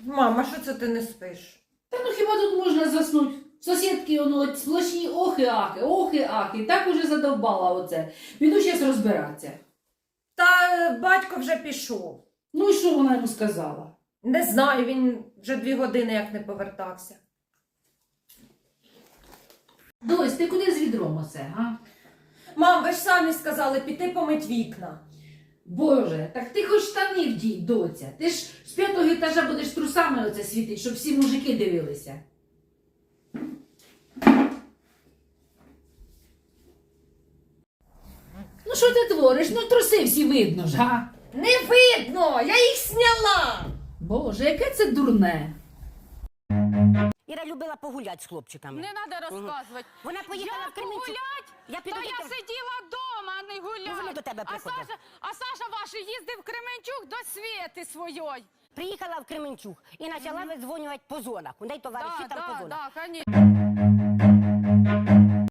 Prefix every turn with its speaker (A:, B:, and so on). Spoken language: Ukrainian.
A: Мама, що це ти не спиш?
B: Та ну хіба тут можна заснути? Сусідки, воно сплошні охи-ахи. Так уже задовбала оце. Піду зараз розбиратися.
A: Та батько вже пішов.
B: Ну і що вона йому сказала?
A: Не знаю, він вже 2 години як не повертався.
B: Дось, ти куди з відром оце, га?
A: Мам, ви ж самі сказали піти помить вікна.
B: Боже, так ти хоч штани вдій, доця. Ти ж з 5-го етажа будеш трусами оце світить, щоб всі мужики дивилися. Ну що ти твориш? Ну труси всі видно ж, га?
A: Не видно, я їх зняла.
B: Боже, яке це дурне.
C: Іра любила погуляти з хлопчиками.
D: Не треба розказувати.
C: Вона поїхала
D: Я
C: в Кременчуг.
D: погулять?
C: Я піду
D: Та
C: до
D: я
C: тебе.
D: сиділа вдома, а не гуляла.
C: Ну, вони до тебе приходять.
D: А Саша ваш їздив в Кременчуг до Свєти своєї.
C: Приїхала в Кременчуг і почала видзвонювати по зонах. У неї товариші там по зонах.
D: Так, звісно.